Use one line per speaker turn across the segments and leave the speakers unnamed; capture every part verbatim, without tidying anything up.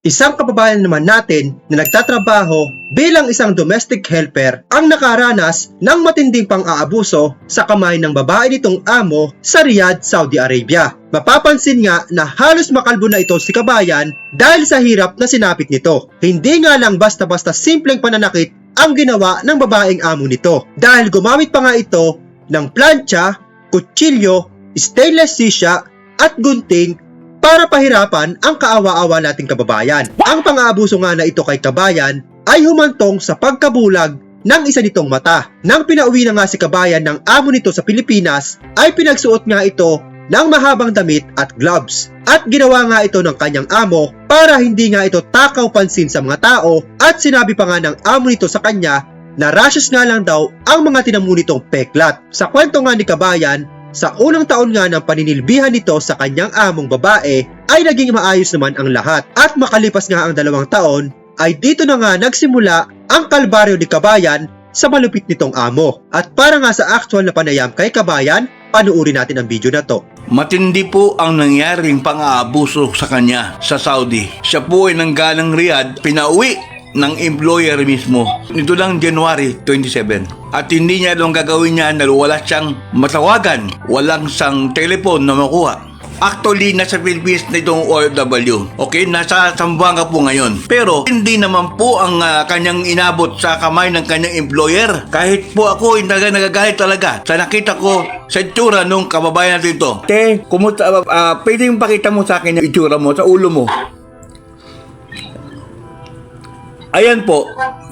Isang kababayan naman natin na nagtatrabaho bilang isang domestic helper ang nakaranas ng matinding pang-aabuso sa kamay ng babae nitong amo sa Riyadh, Saudi Arabia. Mapapansin nga na halos makalbo na ito si kabayan dahil sa hirap na sinapit nito. Hindi nga lang basta-basta simpleng pananakit ang ginawa ng babaeng amo nito dahil gumamit pa nga ito ng plancha, kutsilyo, stainless sisya at gunting para pahirapan ang kaawa-awa nating kababayan. Ang pang-aabuso nga na ito kay kabayan ay humantong sa pagkabulag ng isa nitong mata. Nang pinauwi na nga si kabayan ng amo nito sa Pilipinas, ay pinagsuot nga ito ng mahabang damit at gloves. At ginawa nga ito ng kanyang amo para hindi nga ito takaw pansin sa mga tao at sinabi pa nga ng amo nito sa kanya na rashes nga lang daw ang mga tinamu nitong peklat. Sa kwento nga ni kabayan, sa unang taon nga ng paninilbihan nito sa kanyang among babae ay naging maayos naman ang lahat at makalipas nga ang dalawang taon ay dito na nga nagsimula ang kalbaryo ni kabayan sa malupit nitong amo. At para nga sa actual na panayam kay kabayan, panuuri natin ang video na to.
Matindi po ang nangyaring pang-aabuso sa kanya sa Saudi. Siya po ay nanggalang Riyadh, pinauwi ng employer mismo nito lang January twenty-seven. At hindi niya lang gagawin niya dahil wala siyang matawagan, walang sang telepon na makuha. Actually, nasa Philippines na itong O F W. Okay, nasa Zamboanga po ngayon. Pero hindi naman po ang uh, kanyang inabot sa kamay ng kanyang employer. Kahit po ako, hindi talaga nagagalit talaga sa nakita ko sa itsura nung kababayan natin ito. Te, kumusta, uh, uh, pwede yung pakita mo sa akin yung itsura mo, sa ulo mo. Ayan po.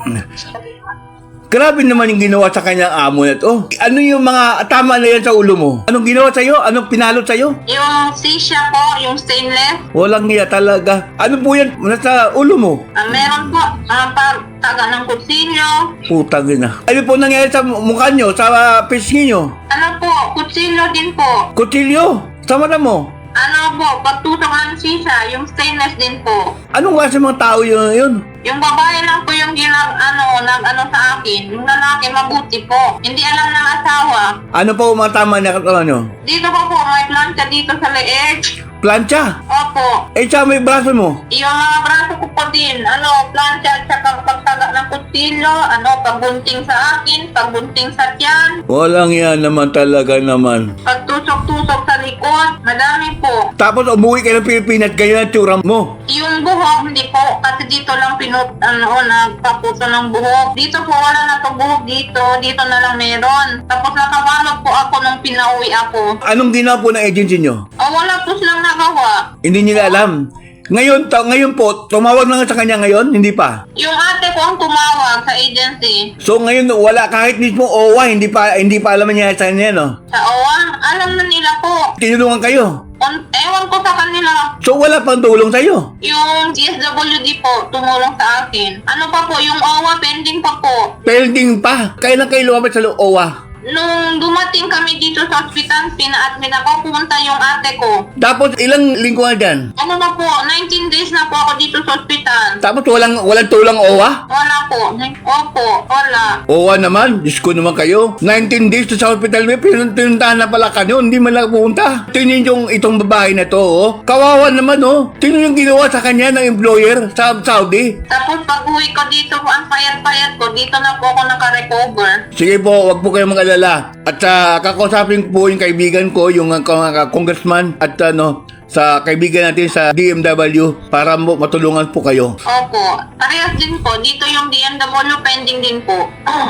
Grabe naman yung ginawa sa kanyang amo na to. Ano yung mga tama na yan sa ulo mo? Anong ginawa sa'yo? Anong pinalot sa'yo?
Yung sisya po, yung stainless.
Walang niya talaga. Ano po yan nasa ulo mo?
Uh, meron po, uh, taga ng kutsilyo.
Putang ina. Ano po nangyari sa mukha nyo? Sa uh, pisngi nyo?
Ano po, kutsilyo din po.
Kutsilyo? Sa mata mo?
Ano po, pagtutok ng sisya, yung stainless din po.
Anong klase mga tao yun? yun?
Yung babae lang po yung ginag, ano, nag, ano sa akin. Yung lalaki, mabuti po. Hindi alam ng asawa.
Ano po mga tama na katawan nyo?
Dito po po, may plancha dito sa leeg.
Plancha?
Opo.
Eh, sa may braso mo?
Yung mga braso ko po din, ano, plancha at saka pagtaga ng kutsilyo, ano, pagbunting sa akin, pagbunting sa tiyan,
Walang yan naman talaga naman.
pagtusok-tusok sa likod, madami po.
Tapos umuwi ka ng Pilipinas, ganyan ang tsura mo.
Yung buhok, hindi po, kasi dito lang pinut, ano, nagpaputo ng buhok. Dito po, wala na to buhok dito, dito na lang meron. Tapos nakabalot po ako nung pinauwi ako.
Anong ginawa po ng agency nyo?
O, wala po silang nagawa.
Hindi nila alam. Ngayon, ta- ngayon po, tumawag na nga sa kanya ngayon, hindi pa.
Yung ate ko ang tumawag sa agency.
So ngayon wala kahit mismo O W A, hindi pa hindi pa alam niya sa kanya, no?
Sa O W A, alam na nila po.
Tinulungan kayo.
On, ewan ko sa kanila.
So wala pang tulong sa iyo.
Yung D S W D po, tumulong sa akin. Ano pa po, yung O W A pending pa po.
Pending pa. Kailan kayo lumapit sa O W A?
Nung dumating kami dito sa ospital, pina-admit ako, pumunta yung ate ko.
Tapos ilang linggo na dyan?
Ano na po, nineteen days na po ako dito sa ospital.
Tapos walang walang tulong O W A?
Wala po. Opo, wala.
O W A naman, Diyos ko naman kayo. nineteen days to sa hospital, may pinun- pinuntahan na pala kanyo, hindi man lang pumunta. Tingnan yung itong babae na to, oh. Kawawa naman, oh. Tingnan yung ginawa sa kanya ng employer sa Saudi.
Tapos pag uwi ko dito po, ang payat-payat ko, dito na po ako naka-recover.
Sige po, wag po kayong mag-alala. At uh, kakausapin po yung kaibigan ko, yung uh, congressman at ano, sa kaibigan natin sa D M W para mo matulungan po kayo.
Opo. Parehas din po. Dito yung D M W pending din po.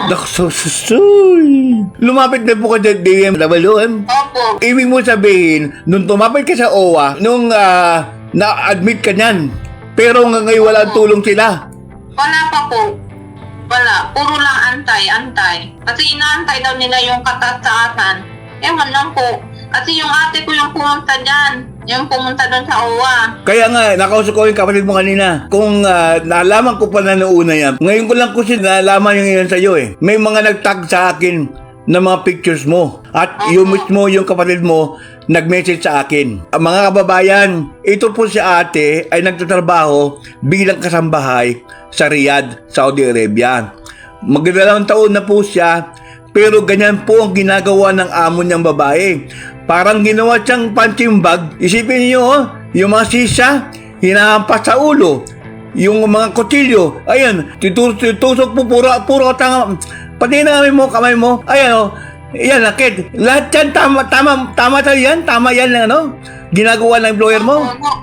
Nakasusuy. Lumapit na po ka sa D M W. Eh?
Opo.
Ibig mo sabihin, nung tumapit ka sa O W A, nung uh, na-admit ka niyan, pero ngayon walang tulong sila.
Wala pa po. Wala. Puro lang antay, antay. Kasi inaantay daw nila yung katataasan. Ewan lang po. Kasi yung ate ko yung pumunta dyan. Yung pumunta doon sa O W A.
Kaya nga, nakausap ko yung kapatid mo kanina. Kung uh, nalaman ko pa na noona yan, ngayon ko lang kasi nalaman yung iyon sa'yo eh. May mga nagtag sa akin na mga pictures mo. At
Uh-huh.
yung mismo yung kapatid mo, nag-message sa akin. Ang mga kababayan, ito po si ate ay nagtatrabaho bilang kasambahay sa Riyadh, Saudi Arabia. Magdalawang taon na po siya, pero ganyan po ang ginagawa ng amo niyang babae. Parang ginawa siyang punching bag. Isipin niyo, oh, yung mga sisya, hinahampas sa ulo. Yung mga kutsilyo, ayan, titus- titusok po, puro, puro tanga, pati na kami mo, kamay mo, ayan o, yan, nakit, lahat yan, tama, tama, tama tayo yan, tama yan, ano, ginagawa ng employer mo.
Opo.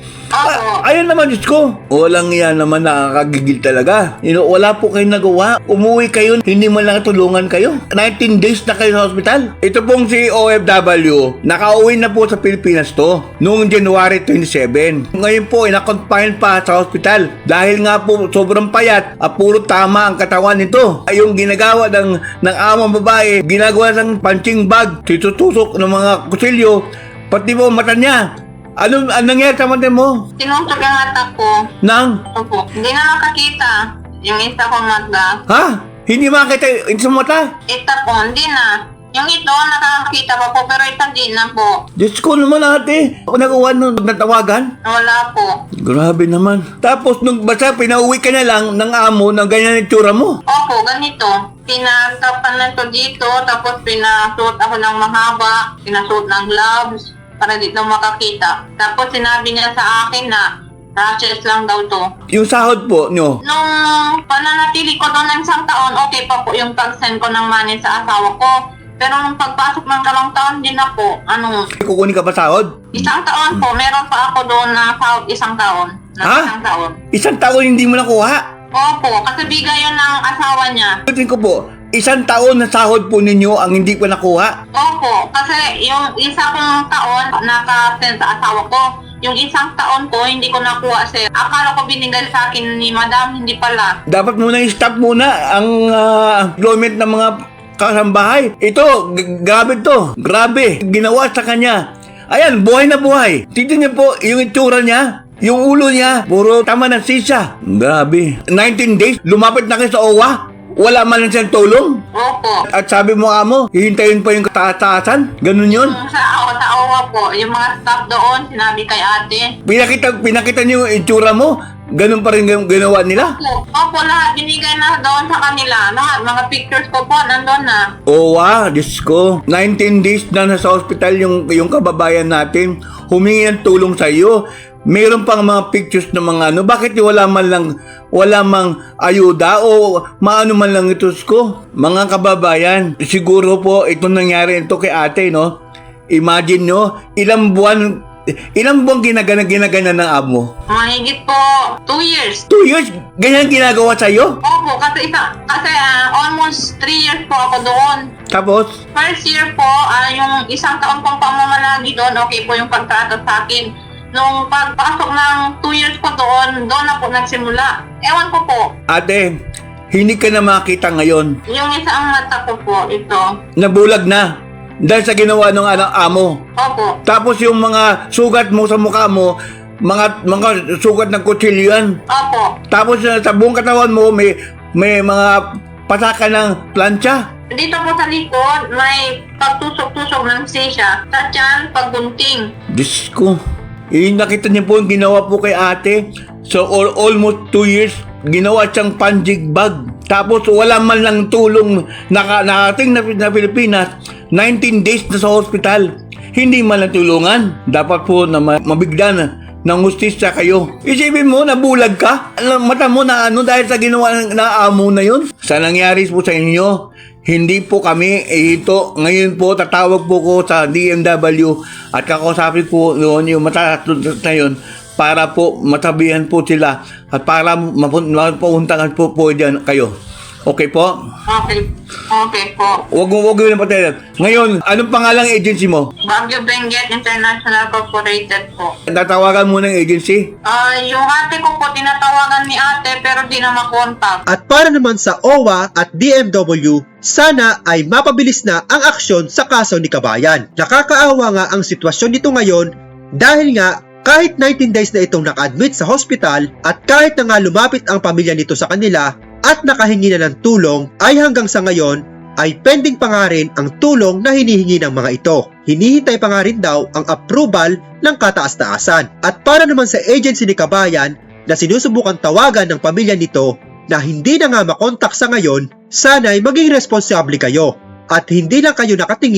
Ah, ayun naman, Diyos ko. Walang yan naman nakakagigil talaga. You know, wala po kayong nagawa. Umuwi kayo, hindi man lang tulungan kayo. nineteen days na kayo sa hospital. Ito pong si O F W, nakauwi na po sa Pilipinas to noong January twenty-seven. Ngayon po, ina-confine pa sa hospital. Dahil nga po, sobrang payat, at puro tama ang katawan nito. Ay, yung ginagawa ng, ng amang babae, ginagawa ng punching bag, titutusok ng mga kutsilyo, pati po mata niya. Ano, anong nangyari sa mata mo?
Sinuntok yung mata ko.
Nang?
Opo. Hindi na makakita. Yung isa kong mata.
Ha? Hindi makakita yung sa mata?
Ita po, hindi na. Yung ito, nakakita pa po, pero ito di na po.
Diyos ko naman ate. Ako nagawa nung natawagan.
Wala po.
Grabe naman. Tapos nung basta pinauwi ka na lang ng amo ng ganyan yung tsura mo.
Opo, ganito. Pinatapan na ito dito, tapos pinasuot ako ng mahaba, pinasuot ng gloves, para dito makakita. Tapos sinabi niya sa akin na rashes lang daw to.
Yung sahod po nyo.
Nung pananatili ko doon ng isang taon, okay pa po yung pag-send ko ng money sa asawa ko. Pero nung pagpasok ng kalawang taon din ako, ano,
Kukunin ka pa sahod?
isang taon po, meron pa ako doon na sahod isang taon. Na
Ha?
isang taon.
Isang taon hindi mo nakuha.
Opo, kasi bigay yun ng asawa niya.
Ulitin ko po, isang taon na sahod po ninyo ang hindi pa nakuha.
Opo, kasi yung isa kong taon naka-send sa asawa ko. Yung isang taon ko, hindi ko nakuha, sir. Akala ko binigay sa akin ni madam, hindi pala.
Dapat muna i-stop muna ang ah, employment ng mga kasambahay. Ito, g- grabe to. Grabe. Ginawa sa kanya. Ayan, buhay na buhay. Tignan niyo po yung itsura niya. Yung ulo niya, puro tama ng sisa. Grabe. nineteen days, lumapit na kayo sa O W A. Wala man lang siyang tulong.
Opo.
At sabi mo amo, hihintayin pa yung kataas-taasan. Ganun yun.
Yung sa, sa O W A po, yung mga staff doon, sinabi kay ate.
Pinakita, pinakita niyo yung itsura mo. Ganun pa rin yung ginawa nila.
Opo, opo, lahat binigay na doon sa kanila. Lahat, mga pictures ko po, nandun na.
Oo ah, Diyos ko. nineteen days na nasa hospital yung, yung kababayan natin. Humingi ng tulong sa iyo. Meron pang mga pictures ng mga ano. Bakit wala man lang, wala mang ayuda o maano man lang ito ko? Mga kababayan, siguro po itong nangyari ito kay ate, no? Imagine nyo, ilang buwan, ilang buwan ginagana, ginagana ng amo?
Mahigit po, two years.
Two years, ganyan ginagawa sa'yo?
Opo, kasi isa, kasi ah, almost three years po ako doon.
Tapos,
First year po, ah, yung isang taon pong pamamalagi doon, okay po yung pagtrato sa akin. Nung pagpasok ng two years ko doon, doon na po nagsimula. Ewan ko po,
ate, hindi ka na makita ngayon.
yung isang mata ko po, ito.
Nabulag na dahil sa ginawa ng anang amo.
Opo,
Tapos yung mga sugat mo sa mukha mo, mga mga sugat ng kutsilyo yan.
opo.
Tapos uh, sa buong katawan mo may may mga pataka ng plancha.
Dito po sa likod, may pagtusok-tusok ng sisya. Sa tiyan, pagbunting.
Diyos ko. Eh, nakita niyo po yung ginawa po kay ate. So all, almost two years, ginawa siyang punching bag. Tapos wala man lang tulong naka, nakating na, na Pilipinas. nineteen days na sa hospital. Hindi man lang tulungan. Dapat po na ma- mabigla na ng hustisya kayo. Isipin mo, nabulag ka. Alam, mata mo na ano dahil sa ginawa ng na amo na yun. Sa nangyari po sa inyo, hindi po kami, eh, ito, ngayon po tatawag po ko sa D M W at kakausapin po noon yung matatunod na yun para po matabihan po sila at para mapun- mapuntahan po po dyan kayo. Okay po?
Okay, okay po.
Huwag mo, huwag mo na patayan. Ngayon, anong pangalang agency mo?
Baguio Benguet International Corporated po.
Tatawagan mo ng agency?
Ah, yung ate ko po, tinatawagan ni ate pero di na makontak.
At para naman sa O W A at D M W, sana ay mapabilis na ang aksyon sa kaso ni Kabayan. Nakakaawa nga ang sitwasyon nito ngayon dahil nga kahit nineteen days na itong naka-admit sa hospital at kahit na nga lumapit ang pamilya nito sa kanila at nakahingi na ng tulong ay hanggang sa ngayon ay pending pa nga rin ang tulong na hinihingi ng mga ito. Hinihintay pa nga rin daw ang approval ng kataas-taasan. At para naman sa agency ni Kabayan na sinusubukan tawagan ng pamilya nito na hindi na nga makontak sa ngayon, sana'y maging responsable kayo at hindi lang kayo nakatingin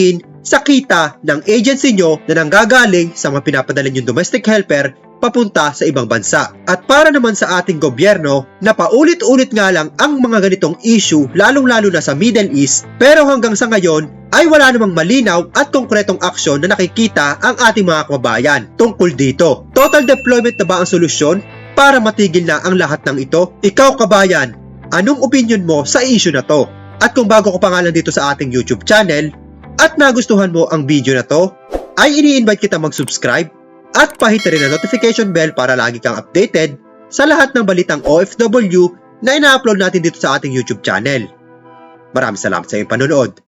sa kita ng agency nyo na nanggagaling sa mga pinapadala yung domestic helper papunta sa ibang bansa. At para naman sa ating gobyerno na paulit-ulit nga lang ang mga ganitong issue lalong-lalo na sa Middle East, pero hanggang sa ngayon ay wala namang malinaw at konkretong aksyon na nakikita ang ating mga kababayan tungkol dito. Total deployment na ba ang solusyon para matigil na ang lahat ng ito? Ikaw kabayan, anong opinion mo sa issue na to? At kung bago ko pa nga lang dito sa ating YouTube channel at nagustuhan mo ang video na to, ay ini-invite kita mag-subscribe at pahit na rin ang notification bell para lagi kang updated sa lahat ng balitang O F W na ina-upload natin dito sa ating YouTube channel. Maraming salamat sa iyong panonood.